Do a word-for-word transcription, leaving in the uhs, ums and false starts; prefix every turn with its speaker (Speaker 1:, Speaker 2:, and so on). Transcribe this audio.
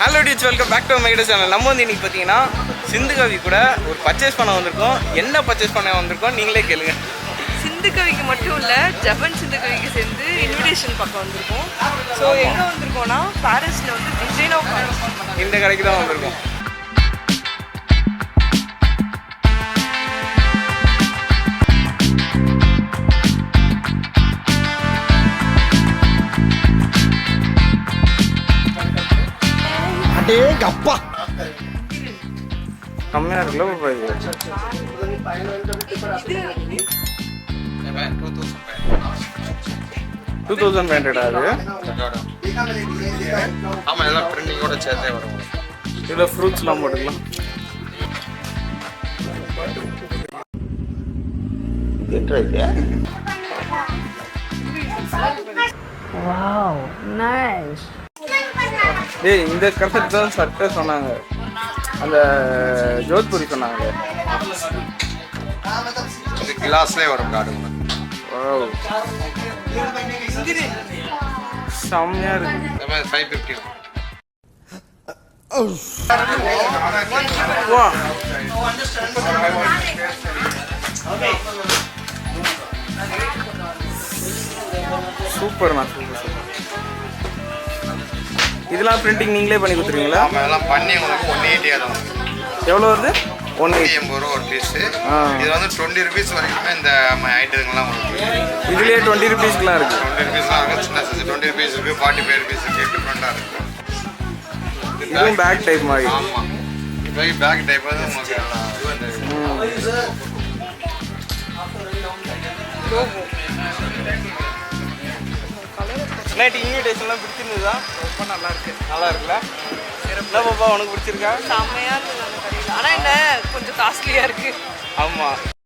Speaker 1: Hello teach, welcome back to my channel. நம்ம வந்து இன்னைக்கு பார்த்தீங்கன்னா சிந்துகவி கூட ஒரு பர்ச்சேஸ் பண்ண வந்திருக்கோம். என்ன பர்ச்சேஸ் பண்ண வந்திருக்கோம் நீங்களே கேளுங்க.
Speaker 2: சிந்துகவிக்கு மட்டும் இல்லை, ஜபன் சிந்துகவிக்கு சேர்ந்து இன்விடேஷன் பக்கம் வந்திருக்கோம். ஸோ எங்கே வந்திருக்கோம்னா பாரிஸில் வந்து டிசைன் ஆஃப்
Speaker 1: இந்த கடைக்கு தான் வந்திருக்கோம்.
Speaker 3: அப்பா
Speaker 1: கம்மியாக இருக்குல்ல ஒரு price. Two thousand five hundred ஆகுது.
Speaker 3: ஆமாம், எல்லாம் பிரிண்டிங்கோட சேர்த்தே வரும்.
Speaker 1: இதில் ஃப்ரூட்ஸ்லாம் போட்டுக்கலாம்.
Speaker 2: Wow, nice.
Speaker 1: டேய், இந்த கரெக்டாக தான் சட்டை சொன்னாங்க, அந்த ஜோத்பூரி சொன்னாங்க.
Speaker 3: இது கிளாஸ்லேயே வரும் கார்டு.
Speaker 1: வாவ், செம்மையாக இருக்கு.
Speaker 3: இந்த மாதிரி ஃபைவ் ஃபிஃப்டி.
Speaker 1: வா, சூப்பர்ண்ணா, சூப்பர் சூப்பர். இதெல்லாம் பிரிண்டிங் நீங்களே பண்ணி கொடுத்துருவீங்களா?
Speaker 3: ஆமாம், எல்லாம் பண்ணி உங்களுக்கு ஒன் எயிட்டி ஆகும்.
Speaker 1: எவ்வளோ வருது? ஒன் எயிட்டி
Speaker 3: எண்பது ரூபா ஒரு பீஸு. இது வந்து டுவெண்ட்டி ருபீஸ் வரைக்குமே இந்த ஐட்டங்கள்லாம் உங்களுக்கு
Speaker 1: இதுலேயே டுவெண்ட்டி ருபீஸ்க்குலாம் இருக்குது.
Speaker 3: டுவெண்ட்டி ருபீஸ்லாம் இருக்குது. சின்ன சைஸ் டுவெண்ட்டி ருபீஸ் இருக்குது, ஃபார்ட்டி ஃபைவ் ருபீஸ் இருக்குது. டிஃப்ரெண்ட்டாக இருக்குது.
Speaker 1: இதுவும் பேக் டைப் மாதிரி.
Speaker 3: ஆமாம், இப்போ பேக் டைப் வந்து உங்களுக்கு எல்லாம்
Speaker 1: நைட் இன்விடேஷன்லாம் பிடிச்சிருந்ததா? ரொம்ப நல்லா இருக்கு. நல்லா இருக்குல்ல? என்ன பாப்பா உனக்கு பிடிச்சிருக்கா?
Speaker 2: செம்மையாக இருந்தது அந்த கடையில். ஆனால் என்ன கொஞ்சம் காஸ்ட்லியாக இருக்குது.
Speaker 1: ஆமாம்.